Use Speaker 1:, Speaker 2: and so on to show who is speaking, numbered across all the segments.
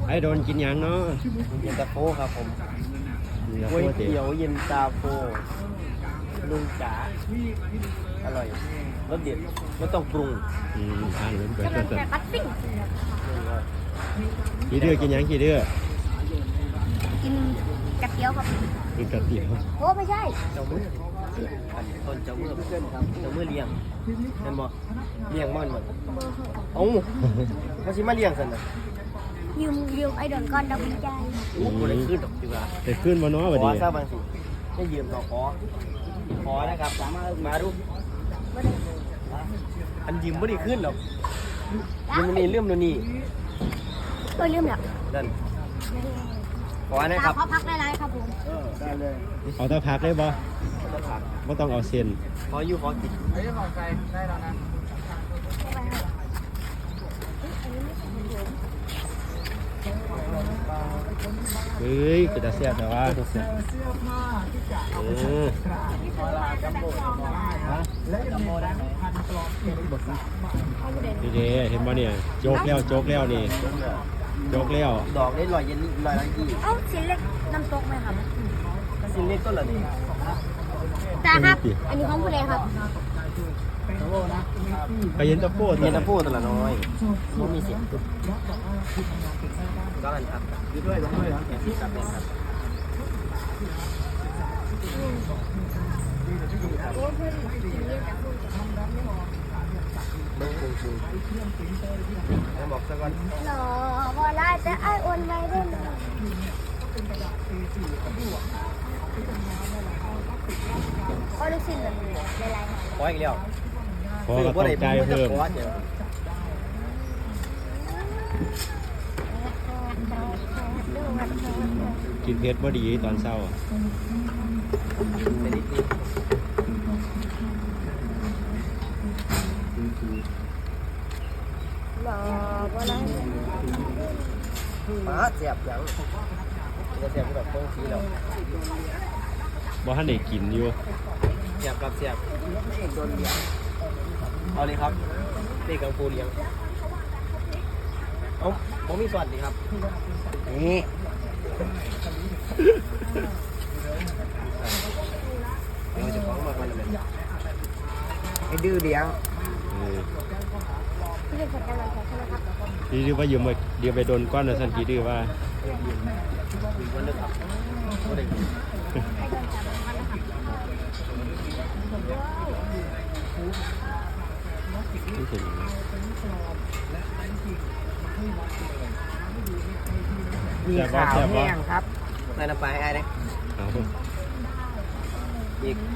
Speaker 1: ไอ้โดนกินยังเนาะ
Speaker 2: เย็นตาโฟครับผม
Speaker 1: นี่นะ
Speaker 2: ก๋วย
Speaker 1: โคตรเตี๋
Speaker 2: เตี๋
Speaker 1: ย
Speaker 2: ยว วเย็นตาโฟลุงจ๋าอร่อยรสเด็ดไม่ต้องปรุง
Speaker 1: ทานเลยเปิด
Speaker 3: กำลัง
Speaker 1: เปิด
Speaker 3: จะปัดปิ้ง
Speaker 1: ขี้ดื้อกินยังขี้ดื้อ
Speaker 3: กินกระเทียวครับ
Speaker 1: กินกระเตี๋ยว
Speaker 3: โอ้ไม่ใช่
Speaker 2: เจ้ามืออันต้นเจ้ามือเพื่อนครับเจ้ามือเลี้ยงเห็นบ่เลี้ยงมันบ่เอ้ามาสิมาเลี้ยงซั่นน่ะ
Speaker 3: ยืมไอ้ดอนก้อนดอกกุญแจ
Speaker 2: โอ้บ่ได้ขึ้นดอกดีกว่า
Speaker 1: แต่ขึ้นมาเนาะ
Speaker 2: ข
Speaker 1: บัด
Speaker 2: อ
Speaker 1: นี้
Speaker 2: ซะบางสิให้ยืมต่อขอนะครับมาดู
Speaker 3: บ่ได้
Speaker 2: อันยืมบ่ได้ขึ้นหรอกยืมนี่เรื่องนี่
Speaker 3: ลืมแล้ว
Speaker 2: นั่นขอนะครับ
Speaker 3: ขอพักหลายๆครับผม
Speaker 2: ได้เลย
Speaker 1: เอาตะพักได้บ่
Speaker 2: จะผัก
Speaker 1: ไม่ต้องเอาเส้น
Speaker 2: ขออยู่ขอกิน
Speaker 1: เฮ้ยจะเสียบแต่ว่าดีเด้เห็นบ่เนี่ยโจกแล้วโจกแล้วนี่โจกแล้ว
Speaker 2: ดอกได้ลอยเย็นลอยละยี่
Speaker 3: เอ้าชิ้นเล็กน้ำตกไหมครับ
Speaker 2: สิ้นเล็กต้นละนี่
Speaker 3: ตาครับ อันนี้ของผู้ใดครับ
Speaker 1: ไปเย็นตะโพด
Speaker 2: เย็นตะพูตัวละน้อยมันมีเสียงก็อันครับยืดด้วยลงด้วยแอบพี่กับแม่ครับ
Speaker 3: โอ้เพื่อนกินเยอะจัง
Speaker 2: เบิ้งปรุงชูแล้วบอกซะก่อน
Speaker 3: หล่อบ่ได้แต่ไอ้อ้วนไว้ได้เลยโอ้ลูกชิ้นแบบนี้หลายๆครับ
Speaker 2: ขออีกแล้ว
Speaker 1: พอก็ต้องใจเพิ่ม
Speaker 2: ขอเดี๋ยว
Speaker 1: กินเผ็ดบ่ดีตอนเช้า
Speaker 2: เป็นนิดนึง
Speaker 3: หล่อบ่ได้
Speaker 2: มาเสียบยังจะเสียบแบบโค้งสีแล้ว
Speaker 1: บ่ทันได้กินอยู่
Speaker 2: เสียบกับเสียบโดนเลี้ยงเอาเลยครับเด็กกังฟูเลี้ยงเอ้าผมมีส่วนดีครับนี่เดี๋ยวจะฟ้องมาก่อนเลยไอ้ดื้อเลี้ยง
Speaker 3: ที่เป็นคนกำลังใจใช่ไหมครับ
Speaker 1: ขี้ดื้อว่ายืมไปเดี๋ยวไปโดนก้อนนะสันขี้ดื้อว่า
Speaker 2: มีวันนึงครับก็ได้
Speaker 3: ให้โดนจับมันนะครับ
Speaker 1: นี่เป็นยังไง
Speaker 2: มีข่าวแห้งครับนายนำไปไอ้เนี่ย
Speaker 1: เอา
Speaker 2: อีก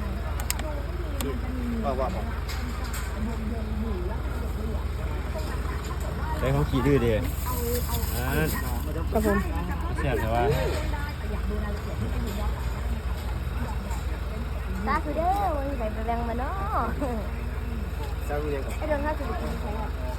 Speaker 2: ว่าผม
Speaker 1: ได้ของขี้ดื้อเด้ครับผมเสียบแต่ว่า
Speaker 3: ตาคือเด้อวันไหนไปแบ่งมาเนาะ
Speaker 2: เจ้าเรียนกับ
Speaker 3: ไอ้โดนข้าวสุดที่ใช่ไหม